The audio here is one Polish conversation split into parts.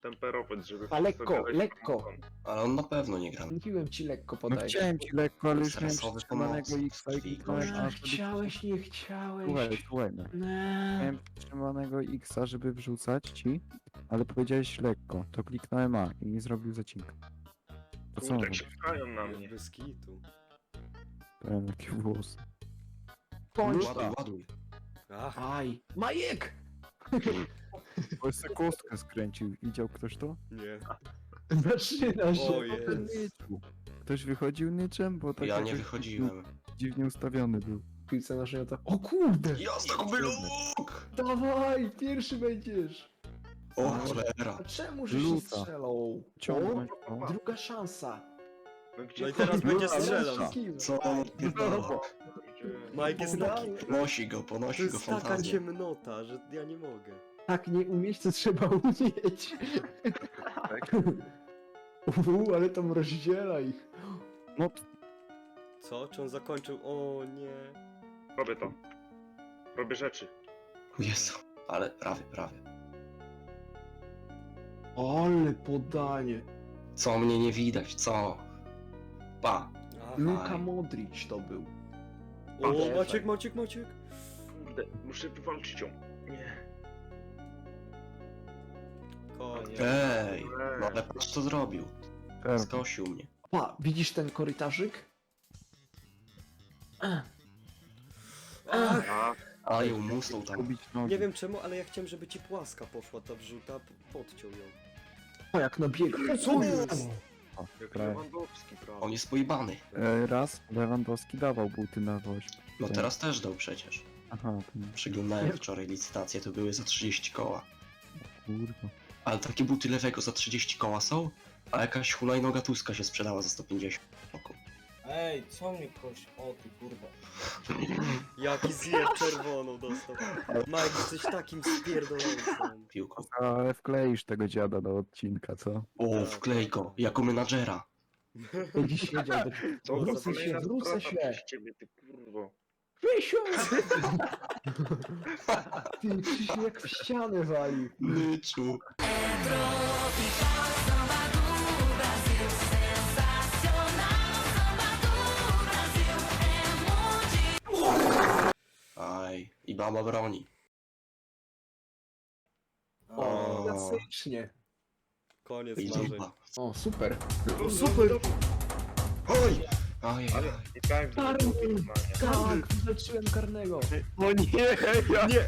temperować, żeby... A lekko, sobie lekko. dać- Ale on na pewno nie gra. Mówiłem ci lekko No podaj. chciałem ci lekko, ale już miałem Stresowy przytrzymanego pomocnik, X-a i krwi, kliknąłem gość. A, żeby... Chciałeś, nie chciałeś. Słuchaj, no. Nie. Miałem przytrzymanego X-a, żeby wrzucać ci, ale powiedziałeś lekko, to kliknąłem A i nie zrobił zacinka. To co Kurde, on jak się pchają na mnie. Bez kitu. robi? Jakie włosy. Kończ Ładuj, to. ładuj. Ach, Aj. Majek! Bo jeszcze kostkę skręcił. Widział ktoś to? nie. Zaczyna się. O jest. Ktoś wychodził niczym? Bo tak Ja nie jakoś wychodziłem. dziwnie ustawiony był. Piłce naszej to. O kurde! Jasno, luk! Dawaj, pierwszy będziesz. O cholera. A czemu że się Luta. strzelał? Ciągnąć O, to. druga szansa. No gdzie No i teraz będzie Teraz strzelał. wszystkim. Co on odpierdala? Mike jest taki... Ponosi go To fantazję. jest taka ciemnota, że ja nie mogę. Tak, nie umieć, co trzeba umieć. Ale tam rozdziela ich. No Co? Czy on zakończył? O nie. Robię to. Robię rzeczy. Jezu. Ale prawie. Ale podanie. Co mnie nie widać, co? Pa. Ach. Luka Modric to był. O, Maciek. Kurde, muszę wywalczyć ją. Nie. Koniec. Ej, no ale patrz co zrobił. pewnie. Skosił mnie. Pa, widzisz ten korytarzyk? Ach, A, A ją musnął tam. Kubić nogi. nie wiem czemu, ale ja chciałem, żeby ci płaska poszła ta wrzuta, podciął ją. O, jak nabiega. Co jest? O, jak prawie. Lewandowski, prawda? On jest pojebany. Raz Lewandowski dawał buty na woź. No teraz też dał przecież. Aha, to nie. Przyglądałem wczoraj licytacje, to były za 30 koła. Kurwa. Ale takie buty lewego za 30 koła są, a jakaś hulajnoga Tuska się sprzedała za 150. Oku. Ej, co mnie koś? O ty kurwa. Jaki zjeb czerwoną dostał. Mike, jesteś takim spierdolącym. Piłką. Ale wkleisz tego dziada do odcinka, co? O, wklej go, jako menadżera. Będzie siedział do... Co za Wrócę się, kolejna wrócę strata się. przez ciebie, ty kurwo. Krysiu! Ty, Krzysiu jak w ścianę wali. Myczu. Aj, i baba broni. O, klasycznie. Koniec I marzeń. zupa. O, super. O, super! Oj! Aj, Ale i tak Karny. wyglądanie. Tak, wyleciłem karnego. O nie! Nie,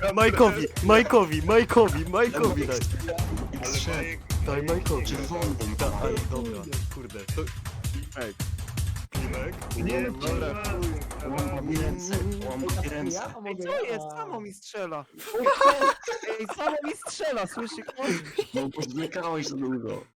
Majkowi daj. Ale Majek, Daj Majkowi. Czerwoną Ale dobra, kurde. To... Klimek? nie, Dobra. Łamam mi ręce, łamam mi ręce. Ja mogę... Co jest? Samo mi strzela! Ej, samo mi strzela, słyszy ktoś? No bo zlekałeś za długo.